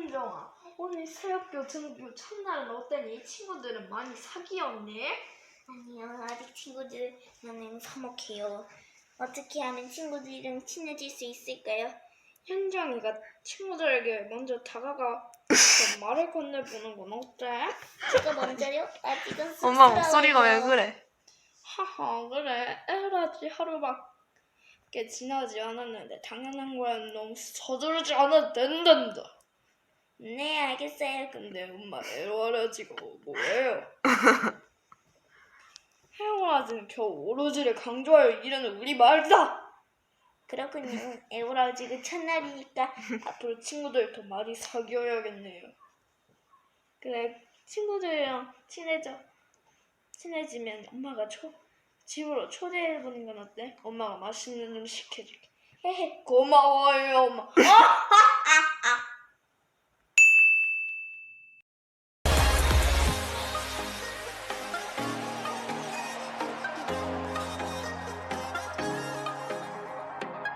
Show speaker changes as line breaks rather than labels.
현정아, 오늘 새학교 등교 첫날은 어땠니? 친구들은 많이 사귀었네?
아니요, 아직 친구들과는 서먹해요. 어떻게 하면 친구들이랑 친해질 수 있을까요?
현정이가 친구들에게 먼저 다가가 말을 건네보는 건 어때?
제가 먼저요? 아직은
엄마
쑥스러워요.
목소리가 왜 그래?
하하, 그래. 에라지 하루밖에 지나지 않았는데 당연한 거야. 너무 서두르지 않아도 된단다.
네, 알겠어요.
근데 엄마 애월해지고 뭐예요? 헤어라지는 겨우 오로지를 강조할 일은 우리 말이다.
그렇군요. 에오라지그 첫날이니까.
앞으로 친구들도 많이 사귀어야겠네요. 그래, 친구들이랑 친해지면 엄마가 집으로 초대해보는 건 어때? 엄마가 맛있는 음식 해줄게. 헤헤, 고마워요 엄마.